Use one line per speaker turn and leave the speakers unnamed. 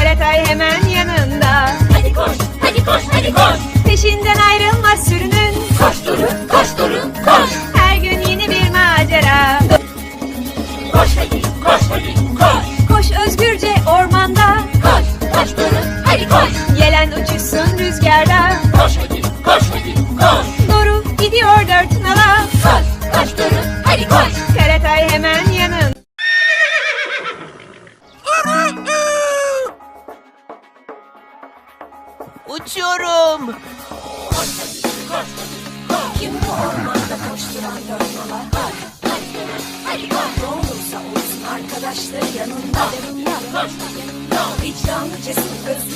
Karatay hemen yanında.
Hadi koş, hadi koş, hadi koş.
Peşinden ayrılmaz sürünün.
Koş Duru, koş Duru, koş.
Her gün yeni bir macera.
Koş hadi, koş hadi, koş.
Koş özgürce ormanda.
Koş, koş Duru, hadi koş.
Yelen uçuşsun rüzgarda.
Koş hadi, koş hadi, koş.
Doru gidiyor dört nala.
Koş, koş Duru, hadi koş.
Karatay hemen yanında.
Uçuyorum.
Kim bu ormanda koşturan dört nala? Koş, koş Duru, hadi koş. Ne olursa olsun arkadaşları yanında. Vicdanlı, cesur, özgür.